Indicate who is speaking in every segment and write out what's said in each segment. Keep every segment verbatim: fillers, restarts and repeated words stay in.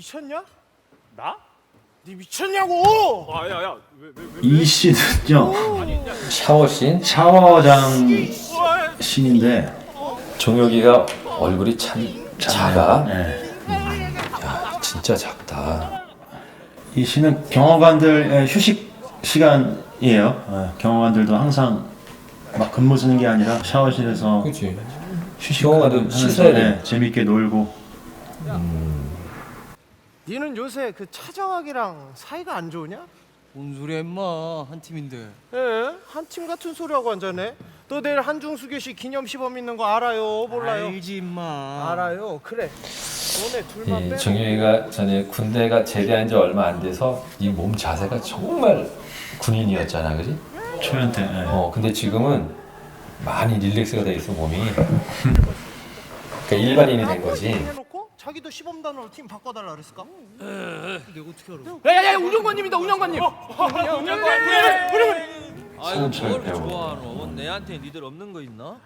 Speaker 1: 미쳤냐?
Speaker 2: 나?
Speaker 1: 니 미쳤냐고!
Speaker 2: 아야야 왜 왜 왜?
Speaker 3: 이 씬은요
Speaker 4: 샤워씬.
Speaker 3: 샤워장 씬인데
Speaker 4: 종혁이가 얼굴이 참 작아.
Speaker 3: 네.
Speaker 4: 야, 진짜 작다.
Speaker 3: 이 씬은 경호관들의 휴식 시간이에요. 네. 경호관들도 항상 막 근무 쓰는 게 아니라 샤워실에서
Speaker 4: 그렇지.
Speaker 3: 휴식하면서
Speaker 4: 경호관도 씻어야 돼.
Speaker 3: 네, 재밌게 놀고.
Speaker 1: 니는 요새 그 차정학이랑 사이가 안 좋으냐?
Speaker 5: 뭔 소리야 임마, 한 팀인데.
Speaker 1: 예, 한 팀 같은 소리하고 앉아네. 너 내일 한중수교시 기념시범 있는 거 알아요? 몰라요?
Speaker 5: 알지 임마.
Speaker 1: 알아요. 그래. 너네 둘만
Speaker 4: 이
Speaker 1: 빼.
Speaker 4: 정혁이가 전에 군대가 제대한 지 얼마 안 돼서 이 몸 자세가 정말 군인이었잖아, 그지?
Speaker 3: 초연 때. 네.
Speaker 4: 어, 근데 지금은 많이 릴렉스가 돼 있어 몸이. 그러니까 일반인이 된 거지.
Speaker 1: 해놓고 자기도 시범단으로 팀 바꿔달라 그랬을까?
Speaker 5: 내가 어떻게 알아?
Speaker 2: 야야야 운영관님이다 운영관님.
Speaker 6: 아이고
Speaker 4: 손을
Speaker 6: 뭘
Speaker 4: 배워.
Speaker 6: 좋아하노? 내한테 니들 없는 거 있나?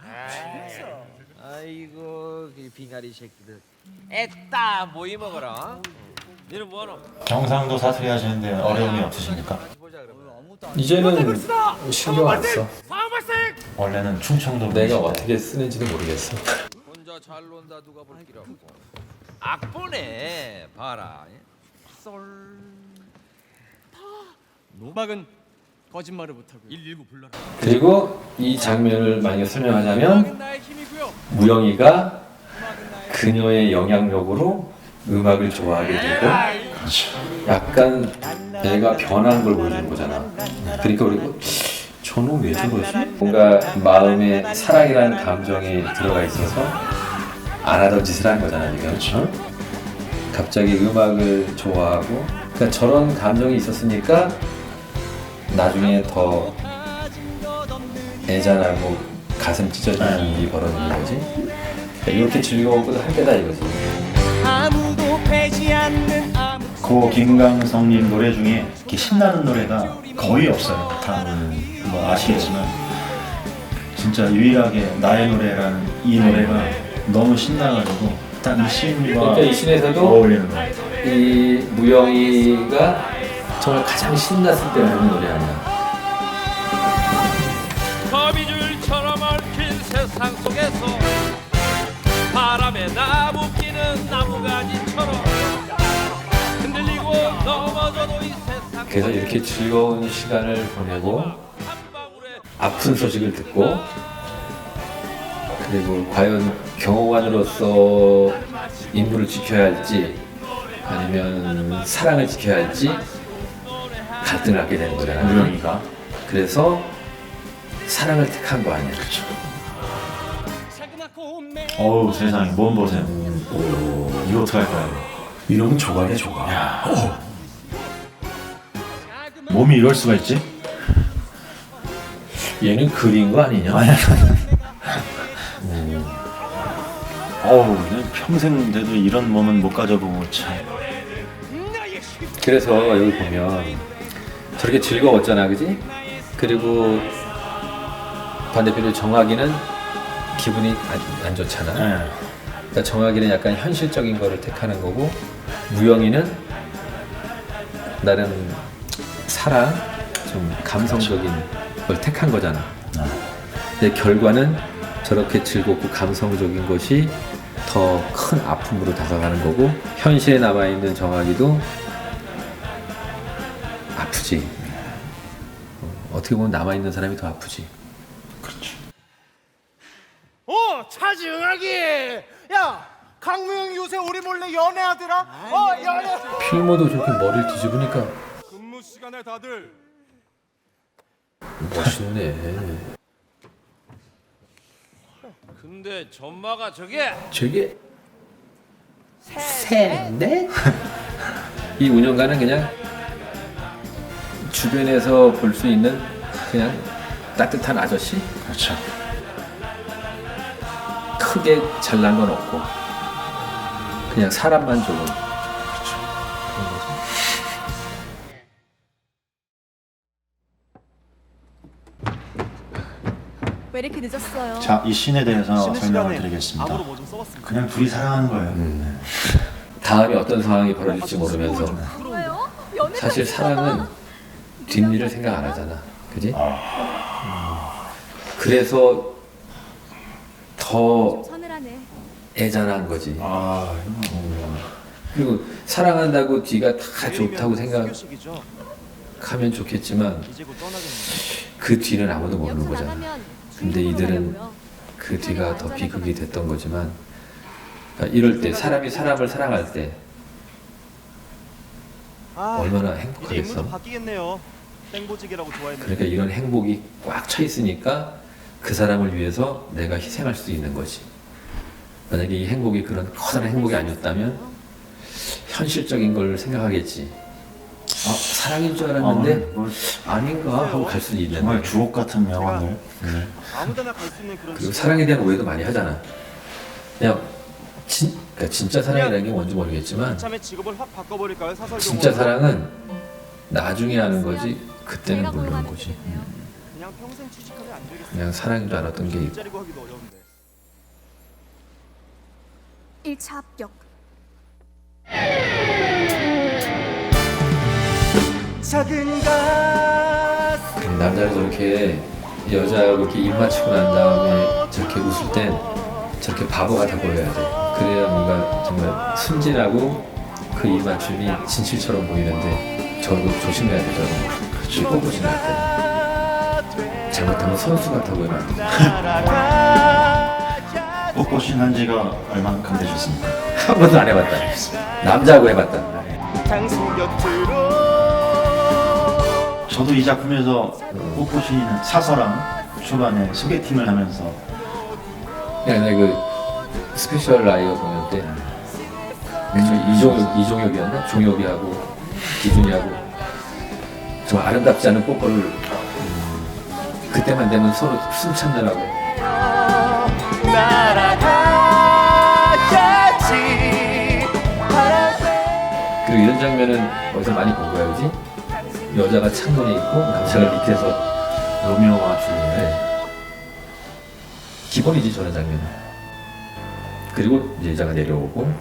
Speaker 6: 아이고 그 빙아리 새끼들 애따 모이 먹어라. 니는 뭐하노?
Speaker 3: 경상도 사투리 하시는데 어려움이 없으십니까?
Speaker 6: 보자 그러면.
Speaker 4: 이제는 신경 안 써.
Speaker 2: 상황 발생.
Speaker 3: 원래는 충청도
Speaker 4: 내가
Speaker 3: 분이신데.
Speaker 4: 어떻게 쓰는지도 모르겠어.
Speaker 6: 혼자 잘 논다 누가 볼 길 없고. 악보네 봐라. 솔.
Speaker 5: 음악은 거짓말을 못하고.
Speaker 6: 일일구 불러라.
Speaker 4: 그리고 이 장면을 만약에 설명하자면
Speaker 5: 음악은 나의 힘이고요.
Speaker 4: 무영이가 그녀의 영향력으로 음악을 좋아하게 되고 약간 내가 변한 걸 보여주는 거잖아. 그러니까 우리가 저놈 왜 저러지? 뭔가 마음에 사랑이라는 감정이 들어가 있어서 안 하던 짓을 한 거잖아 지금. 그렇죠? 갑자기 음악을 좋아하고 그러니까 저런 감정이 있었으니까 나중에 더 애잔하고 가슴 찢어지는 일이 벌어지는 거지. 그러니까 이렇게 즐거웠고 할 때다 이거지.
Speaker 5: 아무도 패지 않는 아무.
Speaker 3: 고 김강성님 노래 중에 이렇게 신나는 노래가 거의 없어요. 다 뭐 아시겠지만 진짜 유일하게 나의 노래라는 이 노래가 너무 신나가지고 딱 이 씬과
Speaker 4: 그러니까 이 씬에서도
Speaker 3: 어울리는 거예요.
Speaker 4: 이 무영이가 정말 가장 신났을 때 부르는 노래 아니야.
Speaker 6: 거미줄처럼 얽힌 세상 속에서 바람에 나무 끼는 나무가지처럼 흔들리고 넘어져도 이 세상
Speaker 4: 그래서 이렇게 즐거운 시간을 보내고
Speaker 6: 한 방울에
Speaker 4: 아픈 소식을 듣고 그리고 과연 경호관으로서 임무를 지켜야 할지 아니면 사랑을 지켜야 할지 갈등을 하게 되는 거잖아.
Speaker 3: 무영이가
Speaker 4: 그래서 사랑을 택한 거 아니야. 그렇죠.
Speaker 3: 어우 세상에 몸 보세요. 이거 어떡할 거야 이거.
Speaker 4: 이러면 조각이야 조각.
Speaker 3: 야. 몸이 이럴 수가 있지?
Speaker 4: 얘는 그린 거 아니냐?
Speaker 3: 아니 어우 내 평생 돼도 이런 몸은 못 가져보고 참.
Speaker 4: 그래서 여기 보면 저렇게 즐거웠잖아, 그지? 그리고 반대편으로 정학이는 기분이 안, 안 좋잖아.
Speaker 3: 네.
Speaker 4: 그러니까 정학이는 약간 현실적인 거를 택하는 거고 무영이는 나름 사랑, 좀 감성적인 걸 택한 거잖아. 근데 결과는 저렇게 즐겁고 감성적인 것이 더 큰 아픔으로 다가가는 거고 현실에 남아있는 정학이도 아프지. 어, 어떻게 보면 남아있는 사람이 더 아프지.
Speaker 3: 그렇죠.
Speaker 1: 어, 차지응하기. 야, 강무영 요새 우리 몰래 연애하더라. 어, 연애.
Speaker 4: 필모도 저렇게 머리를 뒤집으니까
Speaker 2: 근무 시간에 다들
Speaker 4: 멋있네.
Speaker 6: 근데 전마가 저게
Speaker 4: 저게 셋넷? 이 운영가는 그냥 주변에서 볼 수 있는 그냥 따뜻한 아저씨?
Speaker 3: 그렇죠.
Speaker 4: 크게 잘난 건 없고 그냥 사람만 좋은
Speaker 7: 왜 이렇게 늦었어요?
Speaker 3: 자, 이 씬에 대해서
Speaker 1: 쉬는
Speaker 3: 설명을
Speaker 1: 시간에
Speaker 3: 드리겠습니다.
Speaker 1: 암으로 뭐 좀 써봤습니다.
Speaker 3: 그냥 둘이 사랑하는 거예요. 네.
Speaker 4: 다음에 어떤 상황이 벌어질지 모르면서
Speaker 7: 왜요? 연애
Speaker 4: 사실 사랑은 뒷일을 생각 안 하잖아, 그지? 음. 그래서 더
Speaker 7: 서늘하네.
Speaker 4: 애잔한 거지.
Speaker 3: 아,
Speaker 4: 그리고 사랑한다고 뒤가 다 좋다고 생각하면 좋겠지만 그 뒤는 아무도 모르는
Speaker 7: 여기서
Speaker 4: 거잖아.
Speaker 7: 나가면
Speaker 4: 근데
Speaker 7: 중국으로
Speaker 4: 이들은
Speaker 7: 가려고요.
Speaker 4: 그 뒤가 더 비극이 됐던 거지만, 그러니까 이럴 때 사람이 사람을 사랑할 때 얼마나 행복하겠어.
Speaker 1: 바뀌겠네요. 땡보지기라고 좋아했는데.
Speaker 4: 그러니까 이런 행복이 꽉 차 있으니까 그 사람을 위해서 내가 희생할 수 있는 거지. 만약에 이 행복이 그런 커다란 행복이 아니었다면 현실적인 걸 생각하겠지. 아, 사랑인 줄 알았는데
Speaker 3: 아, 뭐,
Speaker 4: 아닌가 하고 갈 수도 있는데.
Speaker 3: 정말 주옥 같은 명언을. 네.
Speaker 1: 아무데나 갈 수 있는 그런.
Speaker 4: 그리고 사랑에 대한 오해도 많이 하잖아. 그냥 진, 그러니까 진짜 사랑이라는 게 뭔지 모르겠지만
Speaker 1: 참의 직업을 확 바꿔버릴까요? 사설
Speaker 4: 진짜 사랑은 나중에 아는 거지 그때는
Speaker 7: 제가
Speaker 4: 모르는
Speaker 7: 보호받을
Speaker 4: 거지.
Speaker 7: 텐데요.
Speaker 1: 그냥 평생 취직하면 안 되겠어요.
Speaker 4: 그냥 사랑인 줄 알았던 게 있고.
Speaker 1: 일자리 구하기도 어려운데.
Speaker 7: 일 차 합격.
Speaker 1: 작은 가슴.
Speaker 4: 남자를 저렇게 여자하고 이렇게 입 맞추고 난 다음에 저렇게 웃을 땐 저렇게 바보 같아 보여야 돼. 그래야 뭔가 정말 순진하고 그 입 맞춤이 진실처럼 보이는데 저거 조심해야 돼. 저거 그치 뽀뽀신 할 때. 잘못하면 선수 같아 보이면 안 돼.
Speaker 3: 뽀뽀신 한 지가 얼만큼 되셨습니까?
Speaker 4: 한 번도 안 해봤다. 남자하고 해봤다.
Speaker 1: 당신 곁으로.
Speaker 3: 저도 이 작품에서 뽀뽀신이는 사서랑 초반에 소개팅을 하면서
Speaker 4: 그냥 내가 그 스페셜 라이어 공연 때 그쵸, 이종혁, 이종혁이었나? 종혁이하고 기준이하고 정말 아름답지 않은 뽀뽀를 음, 그때만 되면 서로 숨 참느라고.
Speaker 1: 날아가야지.
Speaker 4: 그리고 이런 장면은 어디서 많이 본 거야, 그지? 여자가 창문에 있고 남자가 밑에서.
Speaker 3: 로미오와 줄리엣.
Speaker 4: 네. 기본이지 저런 장면은. 그리고 이제 여자가 내려오고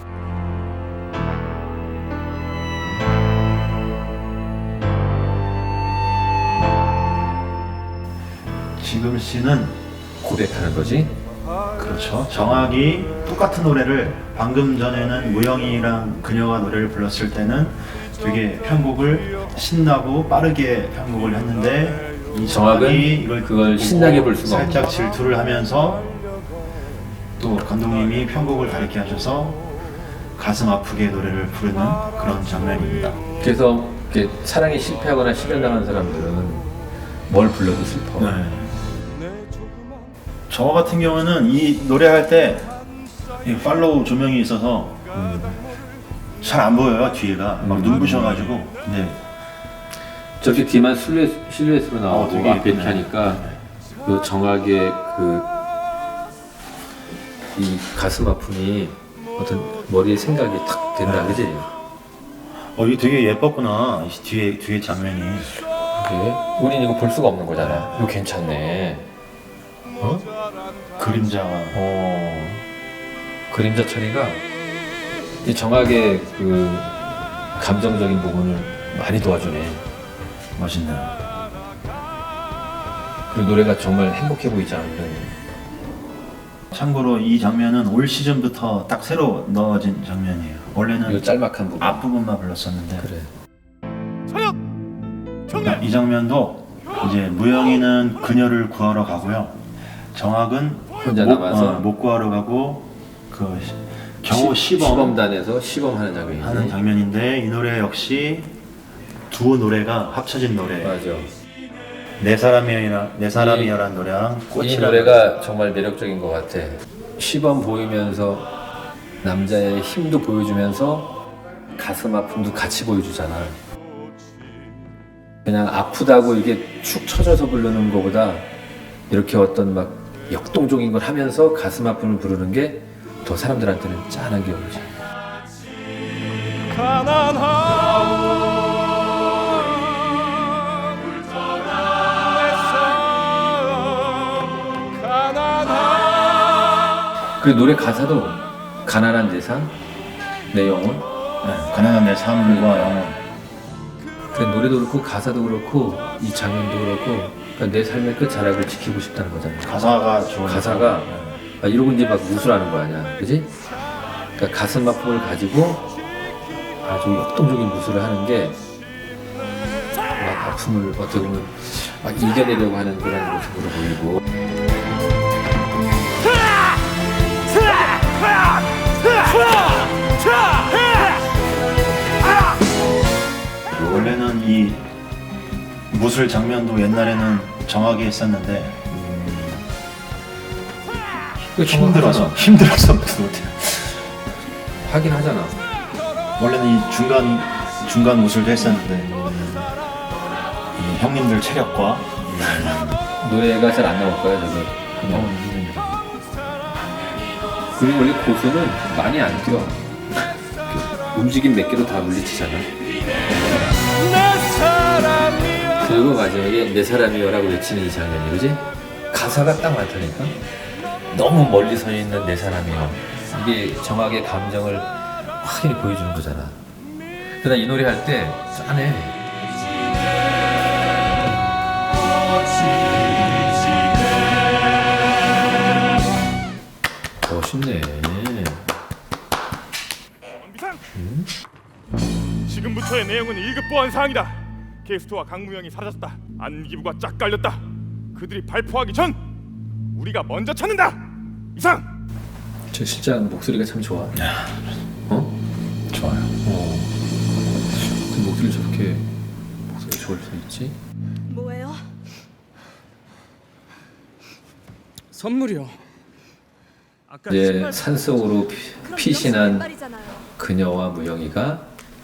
Speaker 3: 지금 씨는
Speaker 4: 고백하는 거지.
Speaker 3: 그렇죠. 정확히 똑같은 노래를 방금 전에는 무영이랑 그녀가 노래를 불렀을 때는 되게 편곡을 신나고 빠르게 편곡을 했는데 이
Speaker 4: 정확은
Speaker 3: 정확히 이걸
Speaker 4: 그걸
Speaker 3: 보고
Speaker 4: 신나게 부를 수가 없는
Speaker 3: 살짝
Speaker 4: 거야.
Speaker 3: 질투를 하면서 또 감독님이 편곡을 다르게 하셔서 가슴 아프게 노래를 부르는 그런 장면입니다.
Speaker 4: 그래서 이렇게 사랑에 실패하거나 실현당한 사람들은 뭘 불러도 슬퍼.
Speaker 3: 네. 저 같은 경우는 이 노래할 때 이 팔로우 조명이 있어서 잘 안 보여요 뒤에가 막 눈부셔가지고 네.
Speaker 4: 저렇게 뒤만 실루엣, 실루엣으로 나오고
Speaker 3: 어, 되게
Speaker 4: 앞에 이렇게
Speaker 3: 예쁘네.
Speaker 4: 하니까 그 정확의 그 이 가슴 아픔이 어떤 머리에 생각이 탁 된다, 그지?
Speaker 3: 어 이게 되게 예뻤구나 이 뒤에 뒤에 장면이.
Speaker 4: 그게 우린 이거 볼 수가 없는 거잖아. 이거 괜찮네. 어?
Speaker 3: 그림자가
Speaker 4: 어. 그림자 처리가 이 정확의 그 감정적인 부분을 많이 도와주네.
Speaker 3: 멋있네요.
Speaker 4: 그리고 노래가 정말 행복해 보이지 않는.
Speaker 3: 참고로 이 장면은 올 시즌부터 딱 새로 넣어진 장면이에요.
Speaker 4: 이
Speaker 3: 원래는
Speaker 4: 짤막한 부분.
Speaker 3: 앞부분만 불렀었는데
Speaker 4: 그래.
Speaker 3: 이 장면도 이제 무영이는 그녀를 구하러 가고요. 정학은
Speaker 4: 혼자
Speaker 3: 못,
Speaker 4: 남아서?
Speaker 3: 어, 못 구하러 가고 그 시- 겨우 시범
Speaker 4: 시범단에서 시범하는 장면이지.
Speaker 3: 하는 장면인데 이 노래 역시 두 노래가 합쳐진 노래.
Speaker 4: 맞아.
Speaker 3: 내 사람이라 내 사람이야라는 노래랑
Speaker 4: 이
Speaker 3: 꽃이라는
Speaker 4: 노래가 정말 매력적인 것 같아. 시범 보이면서 남자의 힘도 보여주면서 가슴 아픔도 같이 보여주잖아. 그냥 아프다고 이게 축 처져서 부르는 것보다 이렇게 어떤 막 역동적인 걸 하면서 가슴 아픔을 부르는 게 더 사람들한테는 짠한 게 오지. 그리고 노래 가사도 가난한 내 삶, 내 영혼.
Speaker 3: 네, 가난한 내 삶과 영혼.
Speaker 4: 그 노래도 그렇고 가사도 그렇고 이 장면도 그렇고 그러니까 내 삶의 끝자락을 지키고 싶다는 거잖아.
Speaker 3: 가사가 좋은
Speaker 4: 가사가 막 이러고 이제 막 무술하는 거 아니야, 그지? 그러니까 가슴 아픔을 가지고 아주 역동적인 무술을 하는 게 막 아픔을 어떻게 보면 막 이겨내려고 하는 그런 모습으로 보이고.
Speaker 3: 원래는 이 무술 장면도 옛날에는 정하게 했었는데 힘들어서 힘들어서 못해요.
Speaker 4: 하긴 하잖아.
Speaker 3: 원래는 이 중간 중간 무술도 했었는데 이 형님들 체력과
Speaker 4: 노래가 잘 안 나올 거야 저기. 그냥. 그리고 원래 고수는 많이 안 뛰어. 움직임 몇 개로 다 물리치잖아. 그리고 마지막에 내 사람이여라고 외치는 이 장면이, 그지? 가사가 딱 많다니까. 너무 멀리 서 있는 내 사람이여. 이게 정확하게 감정을 확연히 보여주는 거잖아. 그러나 이 노래 할 때 짠해. 멋있네.
Speaker 2: 원비상. 지금부터의 내용은 일 급 보안 사항이다. 게스트와 강무영이 사라졌다. 안기부가 짝 깔렸다. 그들이 발포하기 전 우리가 먼저 찾는다. 이상.
Speaker 4: 저 실장 목소리가 참 좋아. 어?
Speaker 3: 좋아요.
Speaker 4: 어. 그 목소리 저렇게 목소리 좋을 수 있지?
Speaker 7: 뭐예요?
Speaker 5: 선물이요. 아까
Speaker 4: 이제
Speaker 5: 신발
Speaker 4: 산속으로 피-
Speaker 7: 그럼
Speaker 4: 피신한
Speaker 7: 신발이잖아요.
Speaker 4: 그녀와 무영이가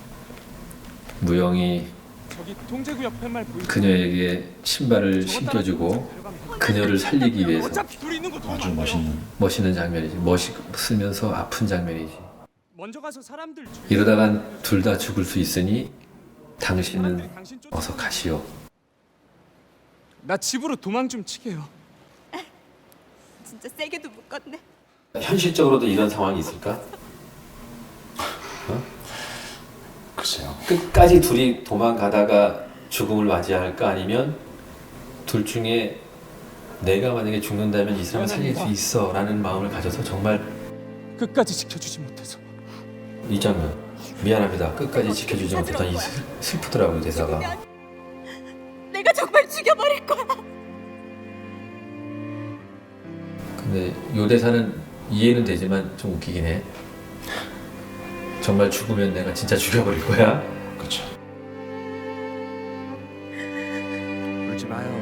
Speaker 4: 무영이
Speaker 5: 저기 통제구역 팻말 보이죠?
Speaker 4: 그녀에게 신발을 신겨주고 그녀를 살리기 위해서
Speaker 5: 어차피 둘이 있는 거
Speaker 3: 아주 멋있는.
Speaker 4: 멋있는 장면이지. 멋있으면서 아픈 장면이지.
Speaker 5: 먼저 가서 사람들 주...
Speaker 4: 이러다간 둘 다 죽을 수 있으니 당신은
Speaker 5: 당신 쫓...
Speaker 4: 어서 가시오.
Speaker 5: 나 집으로 도망 좀 치게요.
Speaker 7: 진짜 세게도 묶었네.
Speaker 4: 현실적으로도 이런 상황이 있을까?
Speaker 3: 글쎄요.
Speaker 4: 끝까지 둘이 도망가다가 죽음을 맞이할까? 아니면 둘 중에 내가 만약에 죽는다면 이 사람을 살릴 수 있어 라는 마음을 가져서 정말
Speaker 5: 끝까지 지켜주지 못해서.
Speaker 4: 이 장면 미안합니다. 끝까지 지켜주지 못했던 이 슬- 슬프더라고요 대사가.
Speaker 7: 내가 정말 죽여버릴 거야.
Speaker 4: 근데 요 대사는 이해는 되지만 좀 웃기긴 해. 정말 죽으면 내가 진짜 죽여버릴 거야.
Speaker 3: 그렇죠.
Speaker 5: 울지 마요.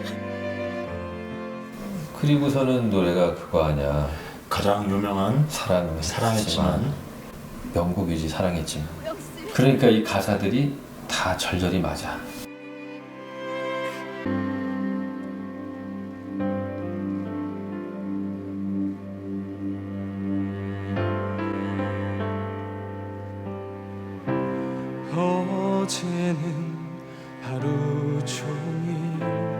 Speaker 4: 그리고서는 노래가 그거 아니야.
Speaker 3: 가장 유명한
Speaker 4: 사랑
Speaker 3: 사랑했지만
Speaker 4: 명곡이지 사랑했지만.
Speaker 7: 역시
Speaker 4: 그러니까 이 가사들이 다 절절히 맞아.
Speaker 5: 어제는 하루 종일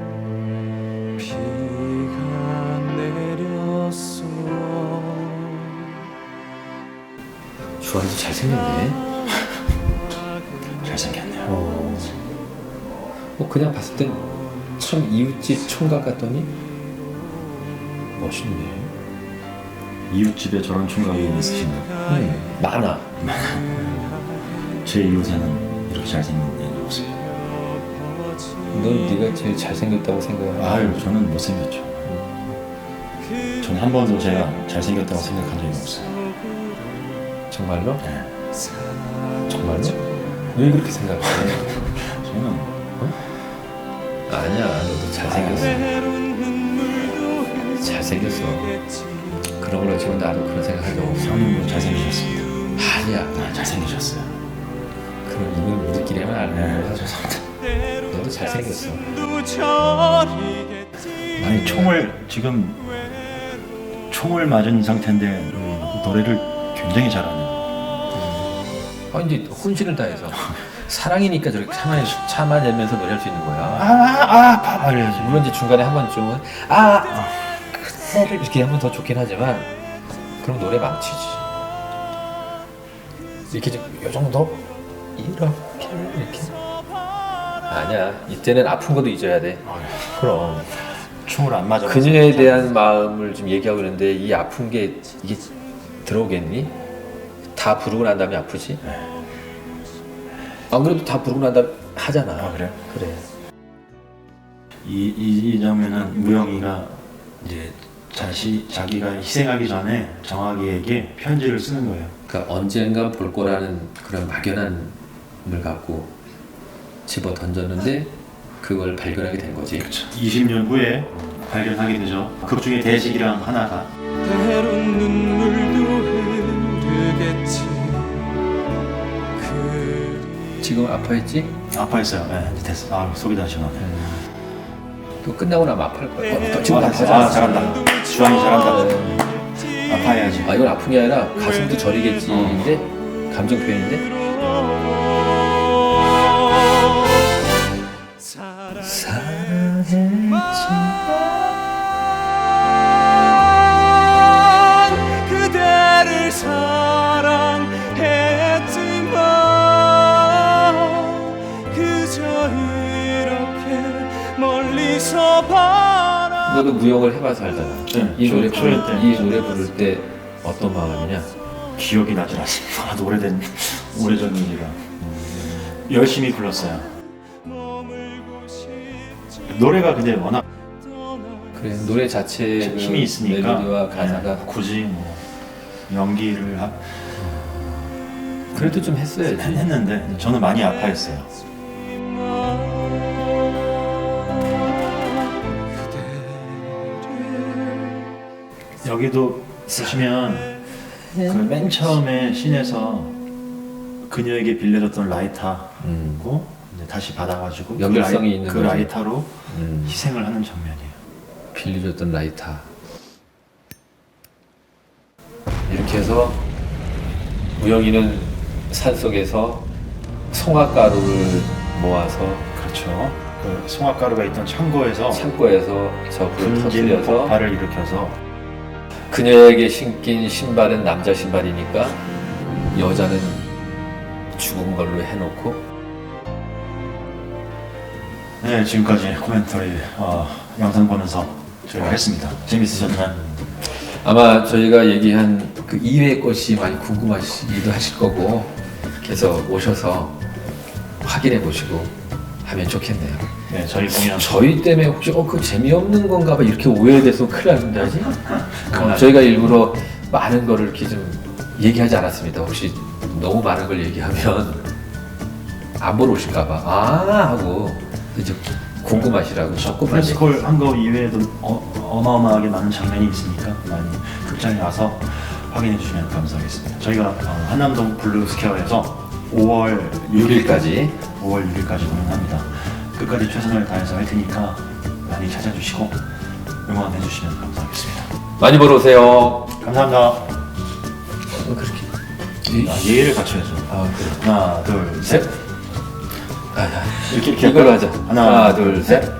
Speaker 5: 비가 내렸어.
Speaker 4: 주환도 잘생겼네.
Speaker 3: 잘생겼네요.
Speaker 4: 어. 뭐 그냥 봤을 땐 참 이웃집 총각 같더니 멋있네.
Speaker 3: 이웃집에 저런 총각이 있으신가요?
Speaker 4: 음, 많아.
Speaker 3: 제 이웃에는 이렇게 잘생긴 애가 없어요.
Speaker 4: 넌 네가 제일 잘생겼다고 생각해.
Speaker 3: 아유, 저는 못생겼죠. 저는 한 번도 제가 잘생겼다고 생각한 적이 없어요.
Speaker 4: 정말로?
Speaker 3: 네.
Speaker 4: 정말로? 왜 그렇게 생각해?
Speaker 3: 저는
Speaker 4: 아니야, 너도 잘생겼어. 잘생겼어. 그런 걸 어찌보면 나도 그런 생각한 적 없어.
Speaker 3: 형님도 잘생기셨습니다.
Speaker 4: 아니야.
Speaker 3: 아, 잘생기셨어요.
Speaker 4: 그럼 이건 우리끼리 하면 안
Speaker 3: 네,
Speaker 4: 되는 거야.
Speaker 3: 죄송합니다.
Speaker 4: 너도 잘생겼어.
Speaker 3: 아니, 총을 지금 총을 맞은 상태인데 노래를 굉장히 잘하네요.
Speaker 4: 아, 이제 혼신을 다해서 사랑이니까 저렇게 참아, 참아내면서 노래할 수 있는 거야.
Speaker 3: 아아아 봐봐야지.
Speaker 4: 물론 이제 중간에 한 번쯤은 아 그대를 이렇게 하면 더 좋긴 하지만 그럼 노래 망치지. 이렇게 좀 요 정도 이렇게 이렇게 아니야 이때는 아픈 것도 잊어야 돼. 그럼
Speaker 3: 춤을 안 맞아.
Speaker 4: 그녀에 대한 마음을 좀 얘기하고 있는데 이 아픈 게 이게 들어오겠니? 다 부르고 난 다음에 아프지? 안 그래도 다 부르고 난 다음에 하잖아.
Speaker 3: 아, 그래?
Speaker 4: 그래.
Speaker 3: 이, 이, 이 장면은 무영이가 이제 자시 자기가 희생하기 전에 정학이에게 편지를 쓰는 거예요.
Speaker 4: 그러니까 언젠가 볼 거라는 그런 막연함을 갖고 집어 던졌는데 그걸 발견하게 된 거지.
Speaker 3: 이십 년 후에 발견하게 되죠. 극 중에 대식이랑 하나가
Speaker 5: 때론 눈물도 흐르겠지.
Speaker 4: 지금 아파했지?
Speaker 3: 아파했어요. 네, 이제 됐어. 아, 속이 다 시원하네.
Speaker 4: 또 끝나고 나면 아파할 거야. 어, 또 지금
Speaker 3: 아,
Speaker 4: 아파잖아.
Speaker 3: 아, 잘한다. 주환이 잘한다. 아파야지.
Speaker 4: 아 이건 아픈 게 아니라 가슴도 저리겠지인데 감정 표현인데.
Speaker 5: 그대를 사랑했지만 그저 이렇게 멀리서 바라.
Speaker 4: 너도 무용을 해봐서 알잖아.
Speaker 3: 네,
Speaker 4: 이
Speaker 3: 초-
Speaker 4: 노래
Speaker 3: 초연
Speaker 4: 부를,
Speaker 3: 때.
Speaker 4: 이 노래 부를 때 어떤 마음이냐?
Speaker 3: 기억이 나질 않습니다. 하도 오래된 오래전 일이라 열심히 불렀어요. 노래가 근데 워낙
Speaker 4: 그래 노래 자체의 그
Speaker 3: 힘이 있으니까
Speaker 4: 멜로디와 가사가
Speaker 3: 네, 굳이 뭐 연기를 하,
Speaker 4: 그래도 좀 했어야지.
Speaker 3: 했는데 저는 많이 아파했어요. 여기도 보시면 그 맨 처음에 씬에서 그녀에게 빌려줬던 라이터고
Speaker 4: 음.
Speaker 3: 이제 다시 받아가지고
Speaker 4: 연결성이
Speaker 3: 그, 라이,
Speaker 4: 있는
Speaker 3: 그
Speaker 4: 거지.
Speaker 3: 라이터로
Speaker 4: 음.
Speaker 3: 희생을 하는 장면이에요.
Speaker 4: 빌려줬던 라이터. 이렇게 해서 무영이는 산속에서 송화가루를 모아서
Speaker 3: 그렇죠. 그 송화가루가 있던 창고에서
Speaker 4: 창고에서 저 불을
Speaker 3: 분진
Speaker 4: 터뜨려서
Speaker 3: 폭발을 일으켜서
Speaker 4: 그녀에게 신긴 신발은 남자 신발이니까 여자는 죽은 걸로 해놓고.
Speaker 3: 네, 지금까지 코멘터리 어, 영상 보면서 저희가 했습니다. 재밌으셨나요?
Speaker 4: 아마 저희가 얘기한 그 이외의 것이 많이 궁금하시기도 하실 거고 그래서 오셔서 확인해 보시고 하면 좋겠네요.
Speaker 3: 네, 저희 공연
Speaker 4: 저희 때문에 혹시 어, 그 재미없는 건가 봐 이렇게 오해돼서 큰일 났는데 하지? 어, 저희가 일부러 많은 거를 이렇게 좀 얘기하지 않았습니다. 혹시 너무 많은 걸 얘기하면 안 보러 오실까 봐 아 하고 이제 궁금하시라고 조금만 얘기-
Speaker 3: 프레스콜 한 거 이외에도 어, 어마어마하게 많은 장면이 있으니까 많이 극장에 와서 확인해 주시면 감사하겠습니다. 저희가 어, 한남동 블루스퀘어에서 오월
Speaker 4: 육 일까지
Speaker 3: 오월 육 일까지 공연합니다. 끝까지 최선을 다해서 할 테니까 많이 찾아주시고 응원해 주시면 감사하겠습니다.
Speaker 4: 많이 보러 오세요.
Speaker 3: 감사합니다.
Speaker 4: 어, 그렇게
Speaker 3: 아, 예의를 갖춰야죠.
Speaker 4: 아 그래
Speaker 3: 하나, 둘, 셋.
Speaker 4: 아, 아,
Speaker 3: 이렇게 이렇게
Speaker 4: 이걸로
Speaker 3: 할까요?
Speaker 4: 하자.
Speaker 3: 하나,
Speaker 4: 하나 둘 셋.